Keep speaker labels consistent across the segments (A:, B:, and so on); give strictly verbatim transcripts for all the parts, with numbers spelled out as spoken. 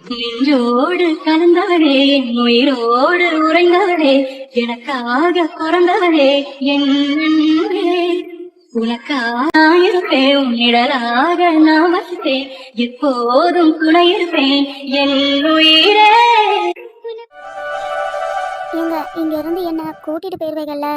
A: நின்றோடு கலந்தவளே, என் உயிரோடு உறைந்தவளே, எனக்காக பிறந்தவளே என் அன்பே. உனக்காக இருப்பேன், உன் நிழலாக நான் வசித்தேன், எப்போதும் துணை இருப்பேன் என் உயிரே.
B: எங்க இங்க இருந்து என்ன கூட்டிட்டு போயிருவீங்கல்ல?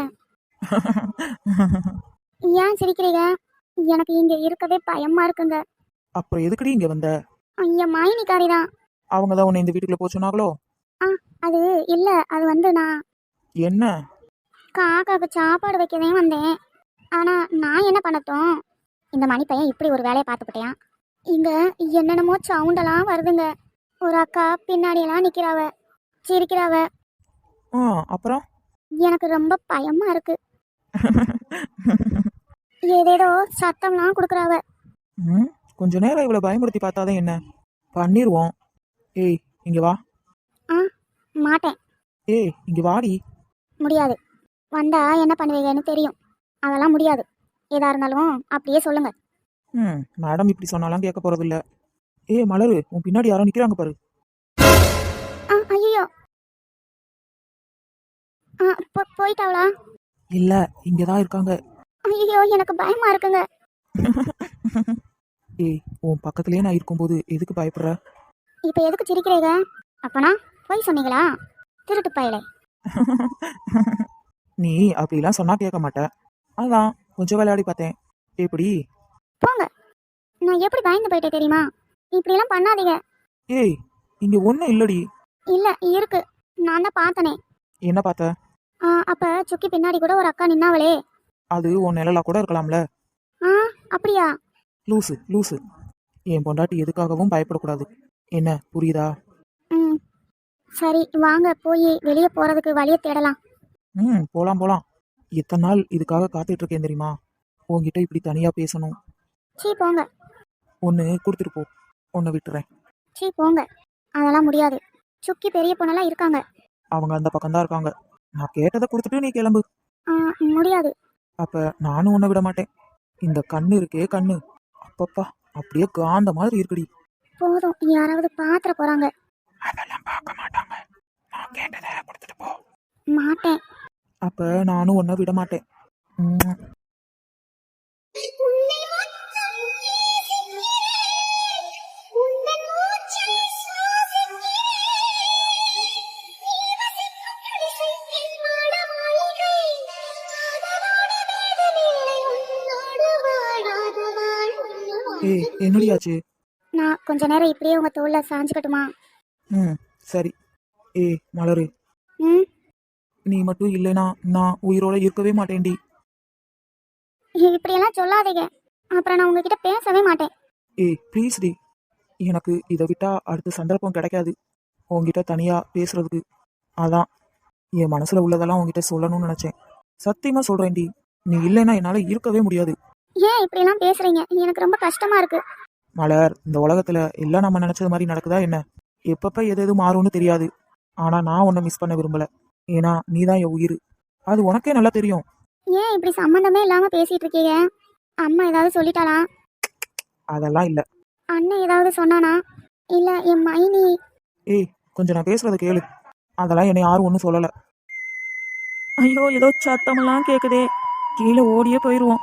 B: ஏன் சிரிக்கிறீங்க? எனக்கு இங்க இருக்கவே பயமா இருக்குங்க.
C: அப்புறம் எதுக்குடி இங்க வந்த?
B: ஐயா மைனிக்காரி தான்.
C: அவங்க தான் உன்னை இந்த வீட்டுக்குள்ள போக சொன்னாங்களோ?
B: ஆ அது இல்ல, அது வந்து நான்
C: என்ன?
B: காக்காக்கு சாப்பாடு வைக்கவே வந்தேன். ஆனா நான் என்ன பண்ணட்டும், இந்த மணி பையன் இப்படி ஒரு வேலையை பார்த்துக்கிட்டேன். இங்க என்னென்னமோ சவுண்டெல்லாம் வருதுங்க. ஒரு அக்கா பின்னாடியெல்லாம் நிக்கிறாவ, சிரிக்கிறாவ.
C: ஆ அப்புறம்
B: எனக்கு ரொம்ப பயமா இருக்கு. ஏதேதோ சத்தம்லாம் கொடுக்குறாவ.
C: ம் கொஞ்ச நேரம் இவ்வளவு பயமுறுத்தி பார்த்தாதான் என்ன பண்ணிருவோம். ஏய் இங்க வா.
B: ஆ மாட்டேன்.
C: ஏய் இங்க வாடி.
B: முடியாது. வந்தா என்ன பண்ணுவீங்கன்னு தெரியும். அதெல்லாம் முடியாது. ஏதா இருந்தாலும் அப்படியே சொல்லுங்க.
C: ம் மேடம் இப்படி சொன்னாலாம் கேட்க போறது இல்ல. ஏய் மலரு, உன் பின்னாடி யாரோ நிக்கிறாங்க பாரு.
B: ஆ ஐயோ. ஆ போ- போயிட்டாவளா?
C: இல்ல இங்கதான் இருக்காங்க.
B: ஐயோ எனக்கு பயமா இருக்குங்க.
C: ஏய் உன் பக்கத்துலயே நான் இருக்கும்போது எதுக்கு பயப்படுற?
B: இப்போ எதுக்கு சிரிக்கிறீங்க? அப்பனா போய் சொன்னீங்களா? திருட்டு பயலே.
C: நீ அப்படிலாம் சொன்னா கேட்க மாட்ட. அதான் கொஞ்சம் விளையாடி பார்த்தேன். எப்படி?
B: போங்க. நான் எப்படி பயந்து போயிட்டேன் தெரியுமா? இப்படிலாம் பண்ணாதீங்க.
C: ஏய் இங்க ஒண்ணும் இல்லடி.
B: இல்ல இருக்கு. நான் தான் பார்த்தனே.
C: என்ன பார்த்த?
B: ஆ அப்ப சுக்கி பின்னாடி கூட ஒரு அக்கா நின்னாவளே.
C: அது உன் நிழலா கூட இருக்கலாம்ல.
B: ஆ அப்படியா?
C: லூசு லூசு. என் பொண்டாட்டி எதுக்காகவும் பயப்படக்கூடாது. என்ன புரியுதா?
B: ம் சரி வாங்க போய் வெளியே போறதுக்கு வழியை தேடலாம்.
C: ம் போலாம் போலாம். எத்தனை நாள் இதுக்காக காத்துட்டு இருக்கேன் தெரியுமா? உன்கிட்ட இப்படி தனியா பேசணும்.
B: சீ போங்க.
C: ஒன்னு கொடுத்துட்டு போ, ஒன்னு விட்டுறேன்.
B: சீ போங்க. அதெல்லாம் முடியாது. சுக்கி பெரிய பொண்ணெல்லாம் இருக்காங்க.
C: அவங்க அந்த பக்கம்தான் இருக்காங்க. நான் கேட்டதை கொடுத்துட்டு நீ கிளம்பு.
B: ஆ முடியாது.
C: அப்ப நானும் உன்னை விட மாட்டேன். இந்த கண்ணு இருக்கே கண்ணு, அப்பப்பா அப்படியே காந்த மாதிரி இருக்குடி.
B: போதும், யாராவது பாத்திர போறாங்க.
C: அதெல்லாம் பார்க்க மாட்டாங்க. நான் கேட்டதை கொடுத்துட்டு போ.
B: மாட்டேன்.
C: அப்ப நானும் உன்னை விட மாட்டேன். உம். ஏய் என்னடியாச்சு?
B: நான் கொஞ்ச நேரம் இப்படியே உங்க தோல்ல சாஞ்சுக்கட்டுமா?
C: ம் சரி. ஏய் மலரு,
B: ம்
C: நீ மட்டும் இல்லைனா நான் உயிரோட இருக்கவே மாட்டேன்டி.
B: இப்படியெல்லாம் சொல்லாதீங்க. அப்புறம் நான் உங்ககிட்ட பேசவே மாட்டேன்.
C: ஏய் ப்ளீஸ் டி. எனக்கு இதை விட்டா அடுத்த சந்தர்ப்பம் கிடைக்காது உன்கிட்ட தனியா பேசுறதுக்கு. அதான் என் மனசுல உள்ளதெல்லாம் உன்கிட்ட சொல்லணும்னு நினைச்சேன். சத்தியமா சொல்றேன்டி, நீ இல்லைன்னா என்னால இருக்கவே முடியாது.
B: ஏன் இப்படியெல்லாம் பேசுறீங்க? எனக்கு ரொம்ப கஷ்டமா இருக்கு.
C: மலர், இந்த உலகத்துல எல்லாம் நம்ம நினைச்சது மாதிரி நடக்குதா என்ன? எப்பப்ப எது எது மாறும்னு தெரியாது. ஆனா நான் உன்னை மிஸ் பண்ண விரும்பல. ஏன்னா நீதான் என் உயிர். அது உனக்கே நல்லா தெரியும்.
B: ஏன் இப்படி சம்மந்தமே இல்லாம பேசிட்டு இருக்கீங்க? அம்மா ஏதாவது சொல்லிட்டாளா?
C: அதெல்லாம் இல்ல.
B: அண்ணன் ஏதாவது சொன்னானா? இல்ல என் மைனி?
C: ஏய் கொஞ்சம் நான் பேசுறத கேளு. அதெல்லாம் என்னை யாரும் ஒன்றும் சொல்லல. ஐயோ ஏதோ சத்தமெல்லாம் கேக்குதே. கீழே ஓடியே போயிருவோம்.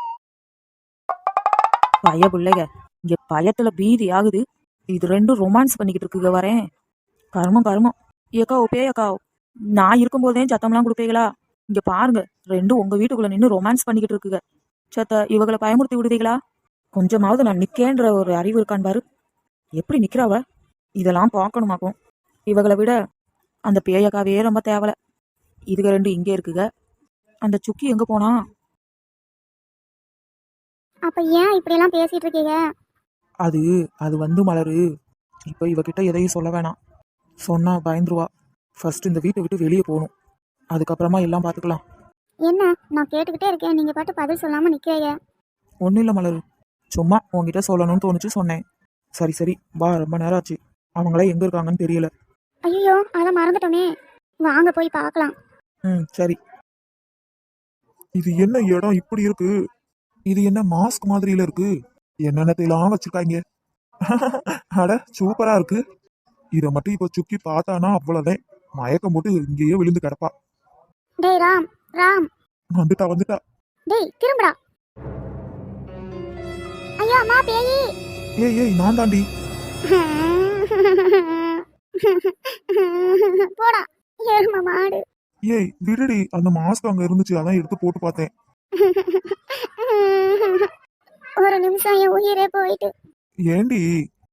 C: பய பிள்ளைக இங்க பயத்துல பீதி ஆகுது. இது ரெண்டும் ரொமான்ஸ் பண்ணிக்கிட்டு இருக்குங்க. வரேன் கருமம் கருமம். ஏக்கா ஓப்பே அக்கா, நான் இருக்கும்போதே சத்தம்லாம் கொடுப்பீங்களா? இங்க பாருங்க, ரெண்டும் உங்க வீட்டுக்குள்ள நின்று ரொமான்ஸ் பண்ணிக்கிட்டு இருக்குங்க. சத்த இவங்களை பயமுறுத்தி விடுவீங்களா? கொஞ்சமாவது நான் நிக்கேன்ற ஒரு அறிவு இருக்கான் பாரு. எப்படி நிக்கிறாவ? இதெல்லாம் பார்க்கணுமாக்கும். இவங்களை விட அந்த பேயக்காவே ரொம்ப தேவலை. இதுக ரெண்டு இங்கே இருக்குங்க. அந்த சுக்கி எங்க போனா?
B: அப்ப ஏன் இப்படியெல்லாம் பேசிட்டு இருக்கீங்க?
C: அது அது வந்து மலரு, இப்போ இவகிட்ட எதையும் சொல்ல வேணாம். சொன்னா பயந்துருவா. ஃபர்ஸ்ட் இந்த வீட்டை விட்டு வெளியே போகணும். அதுக்கப்புறமா எல்லாம் பார்த்துக்கலாம்.
B: என்ன நான் கேட்டுக்கிட்டே இருக்கேன், நீங்க பாட்டு பதில் சொல்லாம நிக்கிறீங்க.
C: ஒன்றும் இல்லை மலரு, சும்மா உன்கிட்ட சொல்லணும்னு தோணுச்சு சொன்னேன். சரி சரி வா, ரொம்ப நேரம் ஆச்சு. அவங்களே எங்க இருக்காங்கன்னு தெரியல.
B: ஐயோ அதை மறந்துட்டோமே. வாங்க போய் பார்க்கலாம்.
C: ம் சரி. இது என்ன இடம் இப்படி இருக்கு? இது என்ன மாஸ்க் மாதிரியில இருக்கு? என்னென்னத்தையெல்லாம் வச்சிருக்காங்க. அட சூப்பரா இருக்கு.
D: இத மட்டும் இப்ப சுக்கி பார்த்தானா அவ்வளவுதான், மயக்கம் போட்டு இங்கேயே விழுந்து கிடப்பா.
B: டேய் ராம் ராம்
D: வந்துட்டா வந்துட்டா.
B: டேய் திரும்புடா. ஐயோ அம்மா பேயி.
D: ஏய் ஏய் நான் தாண்டி.
B: போடா ஏறுமா மாடு.
D: ஏய் விடுடி, அந்த மாஸ்க் அங்க இருந்துச்சு, அதான் எடுத்து போட்டு பார்த்தேன்.
B: ஒரு நிமிஷம் என் உயிரே போயிட்டு.
D: ஏண்டி?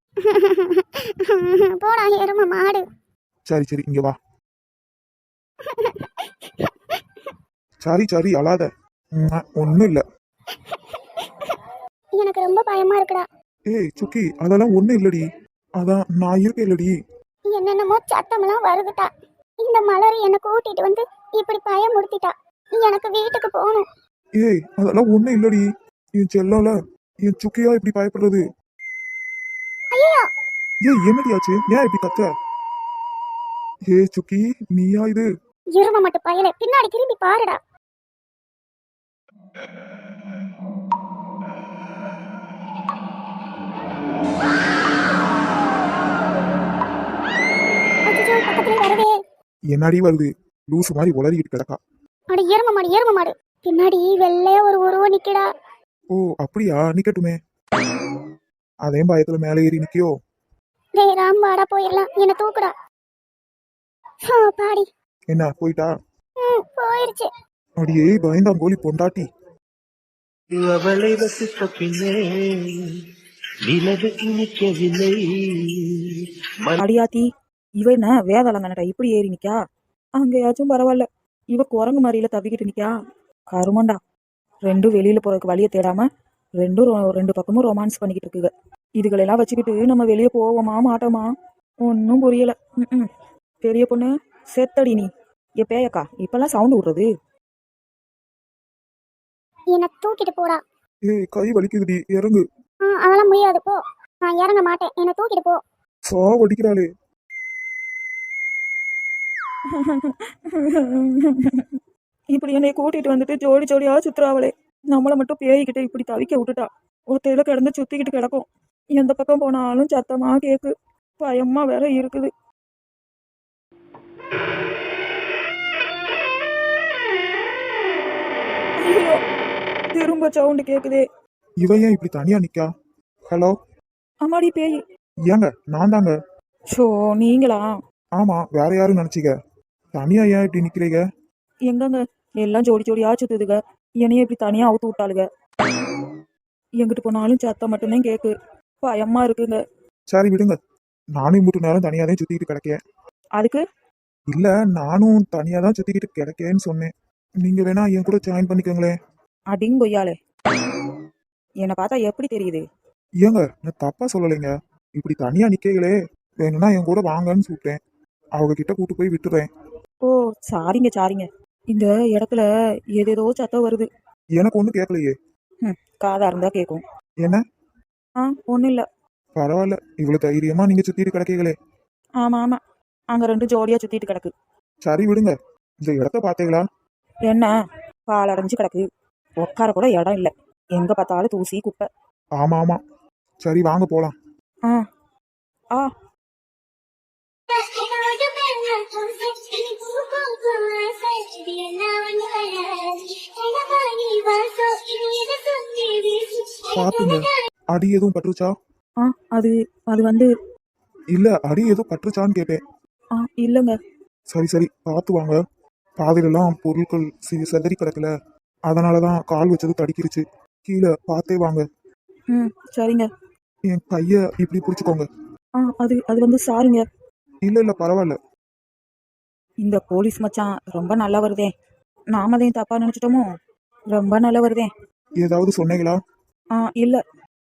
B: போடா எரும மாடு.
D: சரி சரி இங்க வா. சரி சரி அழாத, ஒன்னும் இல்ல.
B: எனக்கு ரொம்ப பயமா இருக்குடா.
D: ஏய் சுக்கி அதெல்லாம் ஒண்ணும் இல்லடி, அதான் நான் இருக்கேன் இல்லடி.
B: என்னென்னமோ சத்தமெல்லாம் வருதுட்டா. இந்த மலர் என்னை கூட்டிட்டு வந்து இப்படி பயமுறுத்திட்டா. எனக்கு வீட்டுக்கு போகணும்.
D: ஏய் அதெல்லாம் ஒண்ணும் இல்லடி, என் செல்லோல என் சுக்கியா இப்படி பயப்படுறது.
B: ஐயோ
D: ஏய் என்னடியாச்சு, ஏன் இப்படி கத்துற? ஏய் சுக்கி நீயா இது?
B: எரும மட்டும் பயலே, பின்னாடி திரும்பி பாருடா. அச்சச்சோ, பக்கத்துல வருதே.
D: என்னடி வருது? லூசு மாதிரி உளறிக்கிட்டு கிடக்கா.
B: அட எரும மாடு எரும மாடு, பின்னாடி வெள்ளையா ஒரு உருவம் நிக்கடா.
D: ஓ அப்படியா, நிக்கட்டுமே. அதே பயத்துல மேலே ஏறி நிக்கியோ?
B: டேய் ராம் வாடா போயிடலாம், என்ன தூக்குடா. ஆ, பாடி
D: என்ன போயிட்டா?
B: ம் போயிருச்சு.
D: அடியே பயந்தாங்கோலி பொண்டாட்டி.
E: அவளை ரசித்த பின்னே நிலவு இனிக்கவில்லை.
C: அடியாத்தி, இவ என்ன வேதாளங்கனடா இப்படி ஏறி நிக்கா? அங்கேயாச்சும் பரவாயில்ல, இவ குரங்கு மாதிரியில தவிக்கிட்டு நிக்கா. கருமண்டா, ரெண்டும் வெளியில போறதுக்கு வழியை தேடாம ரெண்டும் ரொ- ரெண்டு பக்கமும் ரொமான்ஸ் பண்ணிக்கிட்டு இருக்குங்க. இதுகளெல்லாம் வச்சுக்கிட்டு நம்ம வெளியே போவோமா மாட்டோமா ஒன்றும் புரியல. ம் பெரிய பொண்ணு செத்தடி நீ. ஏ பேயக்கா, இப்பெல்லாம் சவுண்டு விடுறது.
B: என்ன தூக்கிட்டு போடா.
D: ஏய் கை வலிக்குதுடி, இறங்கு.
B: ஆ அதெல்லாம் முடியாது போ. நான் இறங்க மாட்டேன், என்ன தூக்கிட்டு போ.
D: சா வடிக்கிறாளே.
C: இப்படி என்னை கூட்டிட்டு வந்துட்டு ஜோடி ஜோடியா சுத்துறாவளே. நம்மளை மட்டும் பேய்கிட்ட இப்படி தவிக்க விட்டுட்டா. ஒத்தையில கிடந்து சுத்திக்கிட்டு கிடக்கும். எந்த பக்கம் போனாலும் சத்தமா கேக்கு. பயமா வேற இருக்குது. ஐயோ, திரும்ப சவுண்டு கேக்குதே.
D: இவ ஏன் இப்படி தனியா நிக்கா? ஹலோ
C: அம்மாடி பேய்.
D: ஏங்க நான் தாங்க.
C: ஷோ நீங்களா?
D: ஆமா வேற யாரும் நினைச்சிக்க. தனியா ஏன் இப்படி நிக்கிறீங்க?
C: எங்கங்க எல்லாம் ஜோடி ஜோடியா சுத்துதுங்க. என்னைய இப்படி தனியா அவுத்து விட்டாளுங்க. எங்கிட்டு போனாலும் சத்தம் மட்டும்தான் கேக்கு. பயமா இருக்குங்க.
D: சரி விடுங்க, நானும் மூட்டு நேரம் தனியா தான் சுத்திக்கிட்டு கிடக்கேன்.
C: அதுக்கு
D: இல்ல நானும் தனியா தான் சுத்திக்கிட்டு கிடக்கேன்னு சொன்னேன். நீங்க வேணா என் கூட ஜாயின் பண்ணிக்கோங்களேன்.
C: அடிங் கொய்யாலே, என்னை பார்த்தா எப்படி தெரியுது?
D: ஏங்க நான் தப்பா சொல்லலைங்க, இப்படி தனியா நிக்கீங்களே, வேணும்னா என் கூட வாங்கன்னு கூப்பிட்டேன். அவங்க கிட்ட கூட்டு போய் விட்டுறேன்.
C: ஓ சாரிங்க சாரிங்க. இந்த இடத்துல ஏதேதோ சத்தம் வருது.
D: எனக்கு ஒண்ணும் கேட்கலையே.
C: ம் காதா இருந்தா கேட்கும்.
D: என்ன?
C: ஆ ஒன்றும் இல்லை.
D: பரவாயில்ல, இவ்வளவு தைரியமா நீங்க சுத்திட்டு கிடக்கீங்களே.
C: ஆமாம் ஆமாம், அங்கே ரெண்டு ஜோடியாக சுற்றிட்டு கிடக்கு.
D: சரி விடுங்க, இந்த இடத்த பாத்தீங்களா?
C: என்ன பால் அடைஞ்சு கிடக்கு. உட்கார கூட இடம் இல்லை. எங்கே பார்த்தாலும் தூசி குப்பை.
D: ஆமா ஆமா, சரி வாங்க போலாம்.
C: ஆ ஆ
D: பாத்துங்க, அடி எதுவும் பட்டுருச்சா?
C: ஆ அது அது வந்து
D: இல்ல அடி எதுவும் பட்டுருச்சான்னு கேட்டேன்.
C: ஆ இல்லைங்க.
D: சரி சரி பார்த்து வாங்க. பாதையிலெல்லாம் பொருட்கள் சி- சிதறி கிடக்கல, அதனாலதான் கால் வச்சது தடிக்கிருச்சு. கீழே பார்த்தே வாங்க.
C: ம் சரிங்க.
D: என் கைய இப்படி பிடிச்சுக்கோங்க.
C: ஆ அது அது வந்து சாரிங்க.
D: இல்ல இல்ல பரவாயில்ல.
C: இந்த போலீஸ் மச்சான் ரொம்ப நல்லா வருதே. நாம தான் தப்பா நினைச்சிட்டோமோ? ரொம்ப நல்லா வருதே.
D: ஏதாவது சொன்னீங்களா?
C: ஆ இல்லை.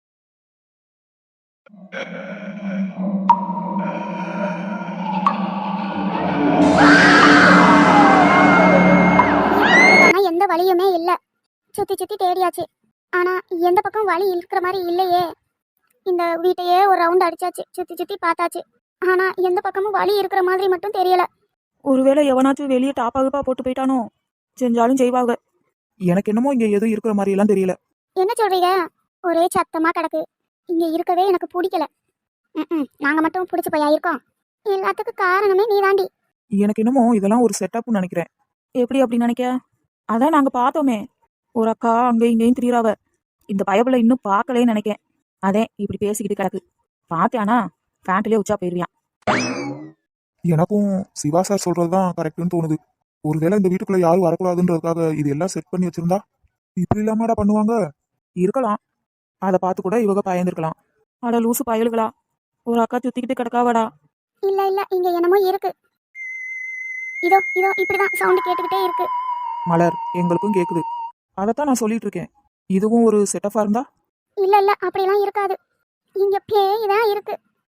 B: ஆனா எந்த வழியுமே இல்ல. சுத்தி சுத்தி தேடியாச்சு, ஆனா எந்த பக்கம் வழி இருக்கிற மாதிரி இல்லையே. இந்த வீட்டையே ஒரு ரவுண்ட் அடிச்சாச்சு, சுத்தி சுத்தி பார்த்தாச்சு, ஆனா எந்த பக்கமும் வழி இருக்கிற மாதிரி மட்டும் தெரியல.
C: ஒருவேளை எவனாச்சும் வெளியே டாப்பாகுப்பா போட்டு போயிட்டானோ? செஞ்சாலும் செய்வாங்க.
D: எனக்கு என்னமோ இங்க எதுவும் இருக்கிற மாதிரி எல்லாம் தெரியல.
B: என்ன சொல்றீங்க? ஒரே சத்தமா கிடக்கு. இங்க இருக்கவே எனக்கு பிடிக்கல. ம் நாங்க மட்டும் பிடிச்ச பையா இருக்கோம். எல்லாத்துக்கும் காரணமே நீதாண்டி.
C: எனக்கு என்னமோ இதெல்லாம் ஒரு செட்டப்னு நினைக்கிறேன். எப்படி அப்படி நினைக்க? அதான் நாங்க பார்த்தோமே, ஒரு அக்கா அங்கேயும் இங்கேயும் திரியிறாவ. இந்த பயப்புல இன்னும் பார்க்கலே நினைக்கேன். அதே இப்படி பேசிக்கிட்டு கிடக்கு. பார்த்தியானா பேண்ட்லயே உச்சா போயிருவியான்.
D: எனக்கும் சிவா சார் சொல்றதுதான் கரெக்ட்னு தோணுது. ஒருவேளை இந்த வீட்டுக்குள்ள யாரும் வரக்கூடாதுன்றதுக்காக இது எல்லாம் செட் பண்ணி வச்சிருந்தா இப்படி இல்லாமடா பண்ணுவாங்க.
C: இருக்கலாம். அதை பார்த்து கூட இவங்க பயந்துருக்கலாம். அட லூசு பயலுகளா, ஒரு அக்கா சுத்திக்கிட்டு கிடக்காவடா.
B: இல்ல இல்ல, இங்க என்னமோ இருக்கு. இதோ இதோ இப்படிதான் சவுண்ட் கேட்டுக்கிட்டே இருக்கு.
C: மலர், எங்களுக்கும் கேக்குது. அதைத்தான் நான் சொல்லிட்டு இருக்கேன். இதுவும் ஒரு செட்டப்பா இருந்தா?
B: இல்ல இல்ல, அப்படியெல்லாம் இருக்காது. இங்க பேய் தான் இருக்கு.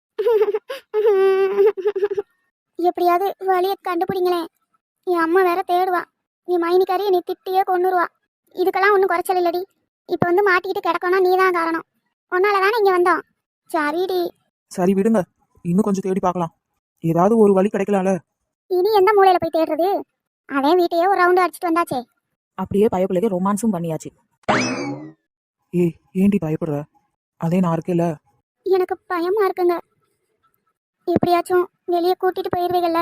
B: எப்படியாவது வழியை கண்டுபிடிங்களேன். என் அம்மா வேற தேடுவா. நீ மைனிக்காரி நீ திட்டியே கொன்னுருவா. இதுக்கெல்லாம் ஒன்றும் குறைச்சல் இல்லடி. இப்போ வந்து மாட்டிக்கிட்டு கிடக்கணும், நீ தான் காரணம். உன்னால தானே இங்கே வந்தோம். சரிடி.
C: சரி விடுங்க, இன்னும் கொஞ்சம் தேடி பார்க்கலாம். ஏதாவது ஒரு வழி கிடைக்கலாம்ல.
B: இனி எந்த மூலையில போய் தேடுறது? அவன் வீட்டையே ஒரு ரவுண்டு அடிச்சிட்டு வந்தாச்சே.
C: அப்படியே பயப்பிள்ளைக்கு ரொமான்ஸும் பண்ணியாச்சு. ஏய், ஏண்டி பயப்படுற? அதே நான் இருக்கேல்ல.
B: எனக்கு பயமா இருக்குங்க. எப்படியாச்சும் வெளியே கூட்டிட்டு போயிருவீங்கல்ல.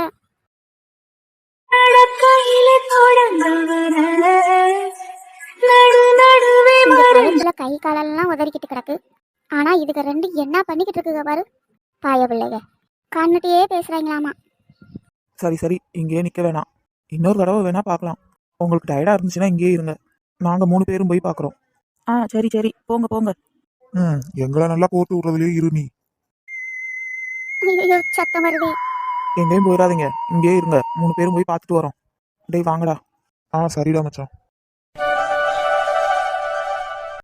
A: நடக்கையிலே தொடங்கவர, நடு நடுவே
B: இந்த
A: மறை
B: பயத்துல கை காலெல்லாம் உதறிக்கிட்டு கிடக்கு. ஆனா இதுக்கு ரெண்டு என்ன பண்ணிக்கிட்டு இருக்குங்க பாரு. பாய பிள்ளைங்க கண்ணுட்டியே பேசுறாங்களாமா.
C: சரி சரி, இங்கேயே நிக்க வேணாம். இன்னொரு தடவை வேணா பார்க்கலாம். உங்களுக்கு டயர்டா இருந்துச்சுன்னா இங்கேயே இருங்க. நாங்க மூணு பேரும் போய் பார்க்குறோம். ஆ சரி சரி, போங்க போங்க.
D: ம் எங்களை நல்லா போட்டு விடுறதுலயே இரு நீ.
B: ஐயோ சத்தம் வருதே.
C: எங்கேயும் போயிடாதீங்க, இங்கேயே இருங்க. மூணு பேரும் போய் பார்த்துட்டு வரோம். டேய் வாங்கடா.
D: ஆ சரிடா மச்சான்.